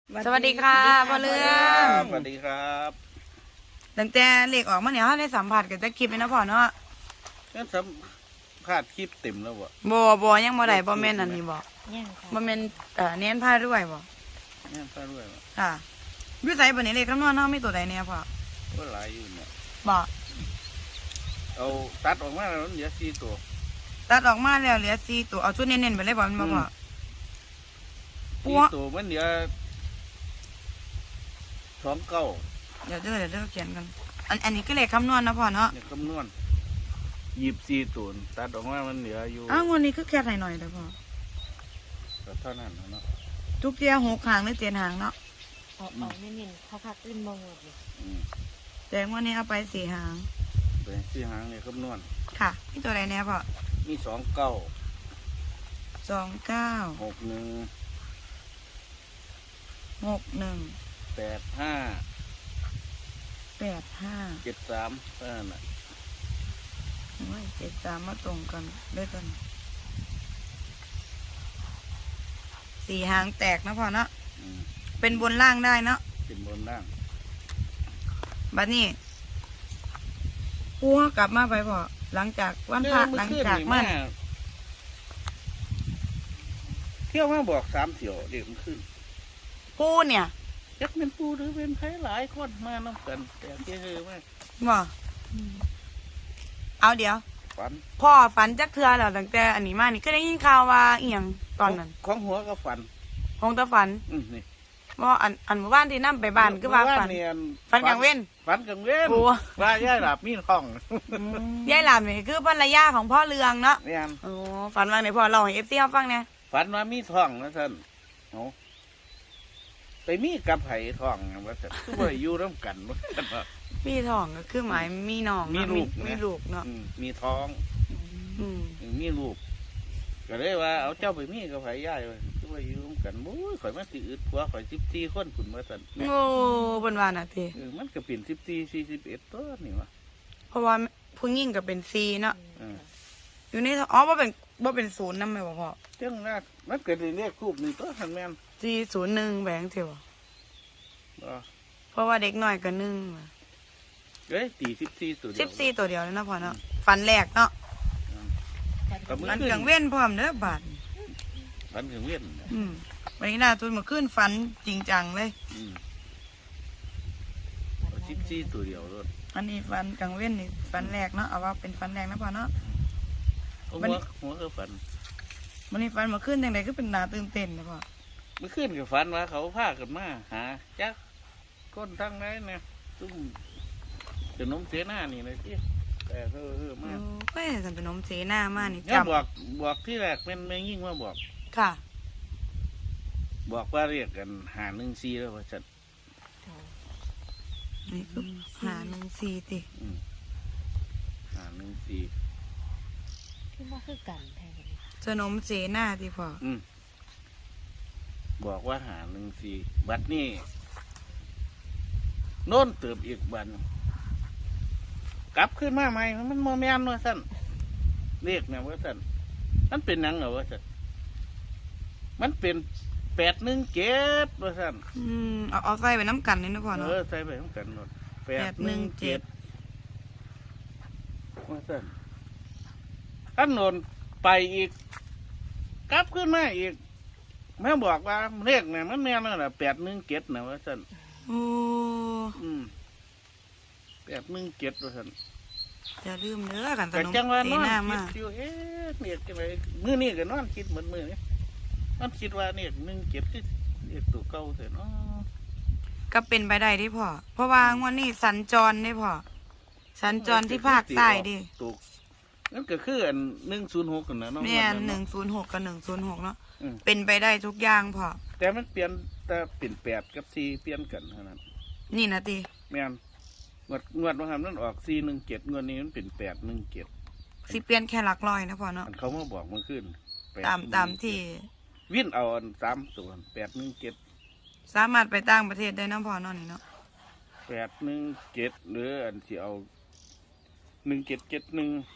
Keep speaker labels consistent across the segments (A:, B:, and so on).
A: สวัสดีค่ะพ่อเรื่อง
B: สวัสดีครับ
A: ตั้งแต่เลขออกมาเนี่ยเขาได้สัมผัสกับตะคลิปเลยนะพ่อเนาะ
B: งั้นสัมภาษณ์คลิปเต็มแล้วบ่
A: บ่ยังบ่ได้บ่แม่นอันนี้บ่
C: ยังค่ะ
A: บ่แม่นเน้นผ้าด้วยบ่
B: เนี่ยพาด้วยบ่
A: ค่ะอยู่ไสบ่นี่เลขคำนวณเฮามีตัวใดแน่พ่อ
B: ก็หลายอยู่เนี่ย
A: บ่
B: เอาตัดออกมาแล้วมันเหลือ4ตัว
A: ตัดออกมาแล้วเหลือ4ตัวเอาชุดเน้นๆไปเลยบ่แม่นบ่พ่อ ปัว
B: 4ตัวมันเหลือ29
A: เดี๋ยวเขียนกันอันนี้ก็เลขคำนวณนะพ่อเนาะ
B: เนี่ยคำนวณ24ตัวตัดออกมามันเหลืออยู่
A: อ้าวงวดนี้คือแค่หน่อยๆเด้อพ่อ
B: ก็เท่านั้นเนาะ
A: ทุกเที่ย6หางหรือ7หางเนาะ
C: ออกไม่เน้นเขาพักขึ้นบ่หมดเลย
B: อืม
A: แต่งวดนี้เอาไป4หาง
B: เป็น4หางเนี่ยคำนวณ
A: ค่ะมีตัวใดแน่พ่อ
B: มี29
A: 29
B: 61
A: 61
B: 85
A: 85
B: 73เท่านั้นน่ะ
A: โอ้ย73มาตรงกันด้วยกัน4หางแตกนะพ่อเนาะ
B: อืม
A: เป็นบนล่างได้เนาะ
B: เป็นบนล่าง
A: บัดนี้กูกลับมาไปพ่อหลังจากวันพระหลังจากมัน
B: เที่ยวมาบอก3เที่ยวเด็กมันขึ้น
A: กูเนี่ย
B: จักเป็นปูหรือเป็นไผหลายคนมาน้ำกันแต่เจ้ามา
A: บ่เอาเดี๋ยว
B: ฝัน
A: พ่อฝันจักเทือแล้วตั้งแต่อันนี้มานี่ก็ได้ยินข่าวว่าอีหยังตอนนั้น
B: ของหัวก็ฝัน
A: คงจะฝัน
B: นี่
A: ว่าอันหมู่บ้านที่นั่ไปบ้านคือว่าฝัน ฝันกลางเว้น
B: ฝันกลางเว้น
A: โอ้
B: ว่าย่าหลับมีท้อง
A: ยายหลานนี่คือภรรยาของพ่อเรืองเนาะ
B: เนี่ย
A: โอ้ฝันว่าไหนพ่อเล่าให้FCเฮาฟังเนี่ย
B: ฝันว่ามีท้องนะท่านเอาไปมีกับไผ่ท้องนะว่าท่านคือว่าอยู่ร่วมกันว่าท่านว่า
A: มีท้องก็คือหมายมีน้องเนาะ
B: มีลูก
A: มี
B: นะ
A: ลูกเนาะ
B: มีท้อง
A: อืม
B: มีลูกก็เลยว่าเอาเจ้าไปมีกับไผ่ย่ายเลยคือว่าอยู่ร่วมกันโอ้ยข่อยมาสิอึดผัวข่อย14คนคุณว่าท่าน
A: โอ้บนว่าน่ะติ
B: มันก็เป็น14 41ตัวนี่วะ
A: เพราะว่าผู้หญิงก็เป็น4เนาะ
B: อืม
A: อยู่ในท้องอ๋อบ่เป็น0นำแม่บ่พ่อ
B: เจ้าหน้ามันเกิดเรียกคูบนี่ตัวทันแม่น
A: 401แหวงเที่ยว
B: บ่
A: เพราะว่าเด็กน้อยก็1
B: เอ้ยตี14ตัวเดียว
A: 14ตัวเดียวเลยนะพ่อเนาะฝันแรกเนาะ
B: กับมือ
A: ฝัน
B: ขึ้น
A: กลางเว้นพร้อมเด้อบาด
B: ฝันถึงเวียน
A: วันนี้น่าตุนมาขึ้นฝันจริงจังเลย
B: อืม14ตัวเดียวรถ
A: อันนี้ฝันกลางเว้นนี่ฝันแรกเนาะเอาว่าเป็นฝันแรกนะพ่อเนาะ
B: หัวก็ฝัน
A: วันนี้ฝันมาขึ้นจังไดก็เป็นนาตื่นเต้นนะพ่อ
B: เมื่อคืนก็ฝันว่าเขาพากันมาหาจักคนทั้งนั้นเนี่ยตุ้มจะน้มเสียหน้านี่เลยที่แต่มา
A: โอ้ยสันเป็นนมเสหน้ามานี่
B: เนี่ย
A: จำ
B: บอกที่แรกเป็นแม่ยิ่งว่าบอก
A: ค่ะ
B: บอกว่าเรียกกันหา14แล้วว่าฉัน
A: นี่คือหา14ติ
B: หา14
C: คิดว่าคือกันแทน
A: จะนมเสหน้าติพ่อ
B: บอกว่าหา14บัดนี้โน่นเติบอีกบัดกลับขึ้นมาใหม่มันโมแมนว่าสั่นเรียกเนี่ยว่าสั่นมันเป็นหนังเหรอว่าสั่นมันเป็น817ว่าสั่น
A: เอาใส่ไปน้ำกันนี่นะพ่อเนาะ
B: ใส่ไปทั้งกันหมด817ว่าสั่นอันโนนไปอีก กลับขึ้นมาอีกแม่บอกว่าเรียกเนี่ยมันแม่นแล้วนะ817นะว่าสั่น
A: โอ้
B: 817ว่าสั่น
A: อย่าลืมเด้อกันตะ
B: แต่
A: นม
B: จังว่า
A: เส
B: นอน
A: หน้า
B: คิ
A: มา
B: ดอยู่เนี่ยจะไปมื้อนี้ก็นอนคิดเหมือนมื้อนี้นอนคิดว่าเนี่ย17คือเรียกตัวเก่าเถอะเนาะ
A: ก็เป็นไปได้ที่พ่อเพราะว่างวดนี้สัญจรได้พ่อสัญจรที่ภาคใต้ดิ
B: ถูกนั่นก็คืออัน106กันนะเนาะ
A: แม่น106กับ106เนาะ
B: อืม
A: เป็นไปได้ทุกอย่างพ่อ
B: แต่มันเปลี่ยนแต่เป็น8กับ4เปลี่ยนกันเท่านั้น
A: นี่นะติ
B: แม่นงวดว่าหันมันออก417งวดนี้มันเป็น817
A: สิเปลี่ยนแค่หลักร้อยนะพ่อเนาะ
B: อันเขามาบอกเมื่อคืน
A: ตามที่
B: วิ่นเอาอัน3ตัว817
A: สามารถไปต่างประเทศได้นะพ่อเนาะนี่เนาะ
B: 817หรืออันที่เอา1771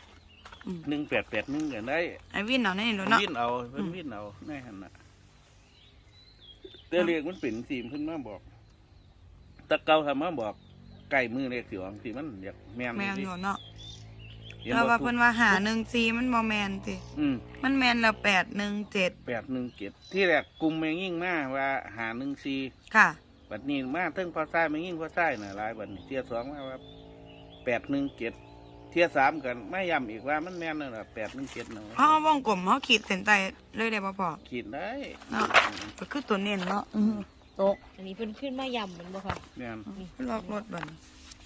B: 1881ก็ได้
A: ไอ้วินเอาในนี่เนาะ
B: วิ่นเอาเพิ่นวิ่นเอาแน่หั่นน่ะแต่เลขมันเป็นสีมขึ้นมาบอกแตะเกาทำมาบอกไก่มือเลขสิออกสิมันอยากแม่น
A: แม่น
B: สิ
A: อยู่เนาะ
B: เห็น
A: แล้ว
B: บ่
A: ว่าเพิ่นว่าหา14มันบ่แม่นติ มันแม่นแล้ว817
B: 817ที่แรกกลุ่มแม่งยิ่งมาว่าหา14
A: ค่ะ
B: บัดนี้มาเทิงพอซ้ายแม่งยิ่งพอซ้ายน่ะหลายบัดนี้เที่ย2มาว่า817เที่ย3กันไม่ย้ำอีกว่ามันแม่นนั่นล่ะ817เนาะ
A: เฮาวงกลมเฮาขีดเส้นใต้เลยได้บ่พ่อ
B: ขีดได้
A: เนาะก็คือตัวเน้นเนาะตก
C: อันนี้เพิ่นขึ้นมาย่ำมันบ่ค่ะ
B: แม่น
A: ล็อกรถบัด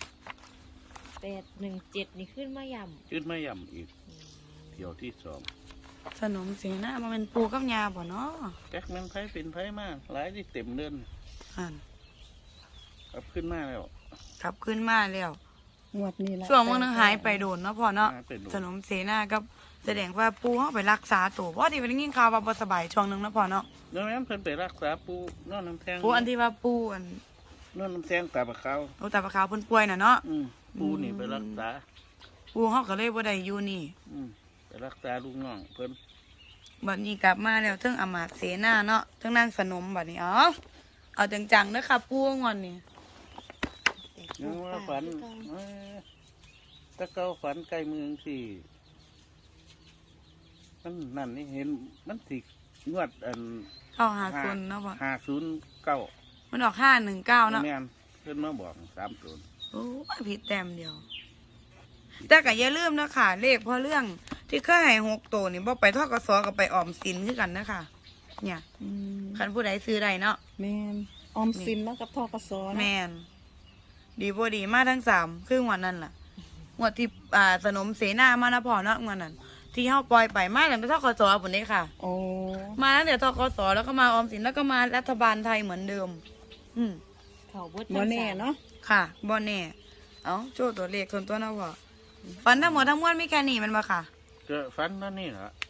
C: 817นี่ขึ้นมาย่ำ
B: ขึ้นไม่ย้ำอีกเที่ยวที่2
A: สนมเสนาบ่แม่นปูกับยาบ่เนาะ
B: แจ็คแม่นไผเป็นไผมาหลายที่เต็มเดือน
A: อัน
B: กลับขึ้นมาแล้ว
A: กลับขึ้นมาแล้ว
D: งวดนี้ละ
A: ช่วงมื้อนึงหายไปโดนเนาะพ่อเนาะ
B: หายไปโดน
A: สนมเสนากับแสดงว่าปูเฮาไปรักษาตัวเพราะที่เป็นยินข่าวว่าบ่สบายช่วงนึงเนาะพ่อเนาะ
B: เดี๋ยวนั้นเพิ่นไปรักษาปูนอนน้ำแทง
A: ปูอันที่ว่าปูอัน
B: นอนน้ำแทงตาบะเขา
A: โอตาปะขาวเพิ่นป่วยน่ะเนาะ
B: ปูนี่ไปรักษา
A: ปูเฮาก็เลยบ่ได้อยู่นี่
B: ไปรักษาลูกน้องเพิ่น
A: บัดนี้กลับมาแล้วเทั้งอำมาตย์เสนาเนาะเทั้งนางสนมบัดนี้เอาจังๆเด้อค่ะปูงอนนี่
B: ยังว่าฝันถ้าเก้าฝันใกล้เมืองสิมันนั่นนี่เห็นมันสิงวดอัน
A: เข้าหาคนเนาะพ่อ
B: 509
A: มันออก519เนาะ
B: แม่นเพิ่นมาบอก30
A: โอ้ยผิดแต้มเดียว แต่ก็อย่าลืมนะค่ะ เลขพอเรื่องที่เคยให้6ตัวนี่บ่ไปทกสกับไปออมสินคือกันนะค่ะ เนี่ย
D: อืม
A: คันผู้ใดซื้อได้เนาะ
D: แม่นออมสินแล้วกับทกส
A: แมนดีบ่ดีมาทั้ง3คืองวดนั้นล่ะงวดที่สนมเสนามานะพ่อเนาะงวดนั้น ที่เฮาปล่อยไปมาตั้งแต่ทกสพุ่นนี้ค่ะ
D: โอ้
A: มาตั้งแต่ทกสแล้วก็มาออมสินแล้วก็มารัฐบาลไทยเหมือนเดิม
C: เขาเบิด
D: บ่แน่เนาะ
A: ค่ะบ่แน่เอาโจ้ตัวเลขส่วนตัวนะพ่อฝันทั้งหมดทั้งมวลมีแค่นี้แมันบ่ค่ะ
B: ก็ฝันนั่นนี่ล่ะ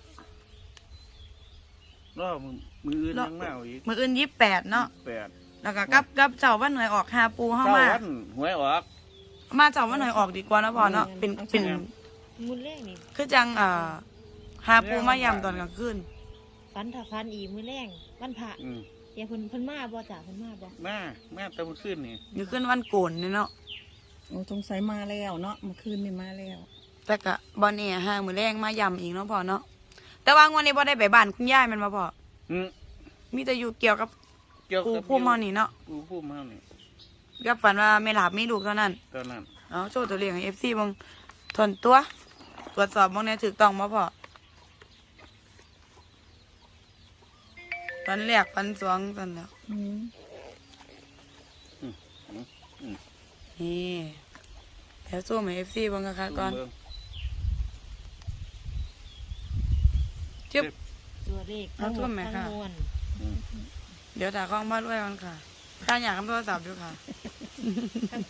B: รอมืออื่นยังมาเอาอีก
A: มื้ออื่น28เนาะ
B: 8
A: แล้วก็กับเจ้าวันหน่วยออกหาปูเฮา
B: เก้า
A: มา
B: วันหวยออก
A: มาเจ้าวันหน่วยออกดีกว่านะพ่อเนาะเป็น
C: มื้อแรกนี่
A: คือจังหาปูมายำตอนกลางคืน
C: ฝันถ้าฝันอีกมื้อแรกวันพระ
B: อืม
C: เดี๋ยวเพิ่นมาบ่จ้ะเพิ่นมาบ่
B: มาแต่เมื่อคืนนี่
A: อยู่ขึ้นวันโกนนี่เนาะ
D: โอ้สงสัยมาแล้วเนาะเมื่อคืนนี่มาแล้ว
A: แต่ก็บ่แน่ห้างมื้อแรงมายำอีกเนาะพ่อเนาะแต่ว่างวันนี้บ่ได้ไปบ้านคุณยายแมันบ่พ่อ
B: อืม
A: มีแต่อยู่เกี่ยวกับ
B: เกี่ยว
A: ปู
B: กับ
A: พุ่มเฮานี่เนาะ
B: ปูพุ่มเฮานี่
A: กับฝันว่าไม่หลับมีลูกเท่านั้น
B: ตอนนั้น
A: เอาโชว์ตัวเลขให้ FC เบิ่งทนตัว ตรวจสอบบ่แน่ถูกต้องบ่พ่อฝันแรกฝันสองซั่นแล้ว
D: อืม
A: นี่เดี๋ยวสู้ให้ FC เบิ่งค่ะก่อน
B: เบิ่ง
A: จึ๊บ
C: ตัวเลขทั้งหม
A: เอาตัว
C: ด
A: ไหม
C: ทั้ง
A: คะ
C: มวล
B: อืม
A: เดี๋ยวถ่ายกล้องมาด้วยกันค่ะถ้าอยากทำโทรศัพท์อยู่ค่ะ
C: ทั้ง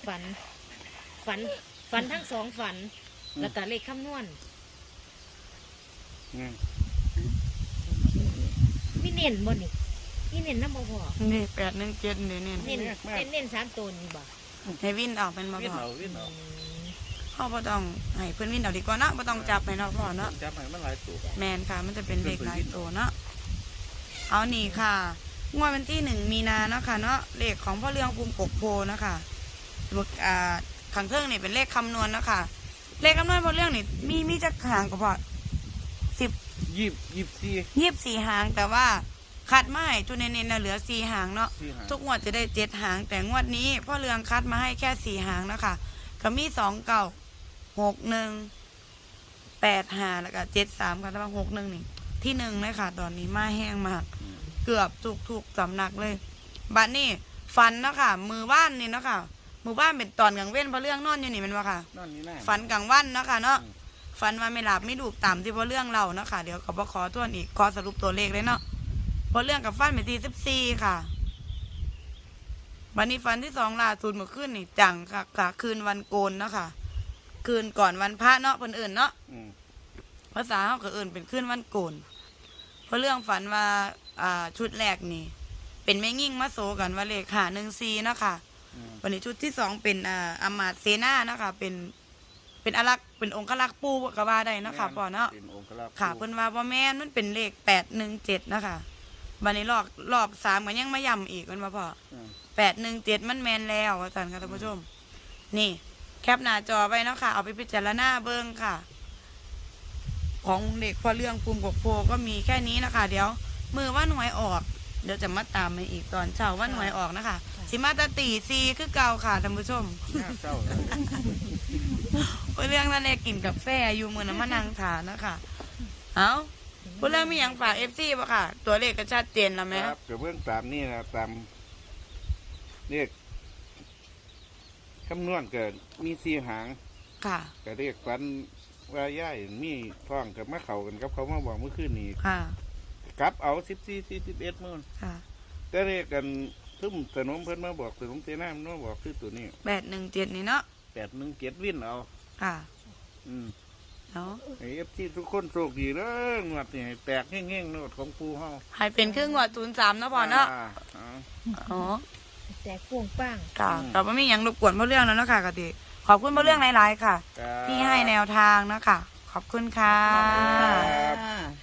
C: ฝันทั้งสองฝัน แล้วก็เลขคำนวณ
B: ไง
C: มีเน้นบ่นี่มีเน้นนำบ่พอ
A: นี่817นี่นี่
C: เน้น3ตัวนี่บ่
A: ให้วินออกเป็นมา
B: วิ่ง
A: พอ
B: เอาวิ่งเอา
A: เขาบ่ต้องให้เพื่อนวินเอาดีกว่าเนาะบ่ต้องจับให้เนาะพ่อเนาะ
B: จับให้มันหลายตัว
A: แมนค่ะ มันจะเป็นเลขหลายตัวเนาะเอานี่ค่ะงวดวันที่1 มีนาเนาะค่ะเนาะเลขของพ่อเรื่องภูมิกกโพนะคะขังเครื่องนี่เป็นเลขคำนวณเนาะค่ะเลขคำนวณพ่อเรื่องนี่มีจักหางก็พอ24หางแต่ว่าคัดมาให้จุดเน้นๆนะเหลือ4หางเนาะ
B: สี่หา
A: ทุกงวดจะได้7หาง แต่งวดนี้พ่อเรืองคัดมาให้แค่4หางนะคะก็มี296185แล้วก็73ค่ะแต่ว่า61นี่ที่1เลยค่ะ ตอนนี้มาแห้งมาก เกือบถูกสำนักเลยบัดนี้ฝันเนาะค่ะมือบ้านนี่เนาะค่ะมือบ้านเป็นตอนกลางเว้นเพราะเรื่องนอนอยู่นี่แมันว่าค่ะ
B: นั่นนี่แน่
A: ฝันกลางวันเนาะค่ะเนาะฝันว่าไม่หลับไม่ดูกตามที่เพราะเรื่องเราเนาะค่ะเดี๋ยวขอทวนอีกขอสรุปตัวเลขเลยเนาะเพราะเรื่องกับฟันเป็นที่14ค่ะวันนี้ฝันที่2ล่าสุดเมื่อคืนนี่จังค่ะคืนวันโกนเนาะค่ะคืนก่อนวันพระเนาะเพิ่นเอิ้นเนาะ
B: อืม
A: ภาษาเขาก็เอิ้นเป็นคืนวันโกนเพราะเรื่องฝันว่าชุดแรกนี่ เป็นแม่งิ่งมาโซกันว่าเลข514เนาะค่ะ
B: อืม
A: วันนี้ชุดที่2เป็นอำมาตย์เสนาเนาะค่ะเป็นอลักษ์เป็นองค์ลักษ์ปู่ก็ว่าได้เนาะค่ะพ่อเนาะ
B: เป็นองค์กร
A: ค่ะเพิ่นว่าบ่แม่นมันเป็นเลข817นะคะบัดนี้รอบ3ก็ยังมาย้ำอีกมันบ่พอ
B: อืม
A: 817มันแมนแล้วอาจารย์ค่ะท่านผู้ชม นี่แคปหน้าจอไว้เนาะค่ะเอาไปพิจารณาเบิ่งค่ะ ของเด็กพอเรื่องภูมิกบโพก็มีแค่นี้นะคะเดี๋ยวมือว่าหน่วยออกเดี๋ยวจะมาตามมาอีกตอนเช้าว่าหน่วยออกนะคะสิมาตาตีซีคือเก่าค่ะท่านผู้ชม
B: น่าเศร้าเลย
A: พอเรื่องนั่นเองกินกับแฟอยู่มือน้ำมันนางถานนะคะเอาพอเรื่องมีอย่างฝากFCป่ะค่ะ ตัวเลขก็ชัดเจนแล้วไหม
B: ครับเดี๋ยวเบื้องตามนี่นะตามเรียกคำนวณเกิดมี4 หาง
A: ค่ะ
B: ก็เรียกฟันว่าย่ายมีท้องกับมะเขากันกับเขามาบอกเมื่อคืนนี้
A: ค่ะ
B: กลับเอา14 41มื่น
A: ค่ะ
B: ก็เรียกกันทุ่มสนมเพิ่นมาบอกสนมเตน้ามันมาบอกคือตัวนี้
A: 817นี่เนาะ
B: 817วินเอา
A: ค่ะ
B: อืม
A: เนาะ
B: ไอ้FC ทุกคนโชคดีเด้องวดนี่ให้แตกแห้งๆโนดของปูเฮา
A: ให้เป็นครึ่งหัว03เนาะพอเนาะ
B: อ่า
A: อ๋อ
C: แต่พ่วงป้าง
A: ค่ะแต่ว่ามีอย่างรบกวนเพราะเรื่องแล้วเนาะค่ะกติขอบคุณเพราะเรื่องหลายๆค่ะ
B: ครับ
A: ที่ให้แนวทางเนาะค่ะ ขอบคุณค่ะ
B: ครับ
D: ค่ะ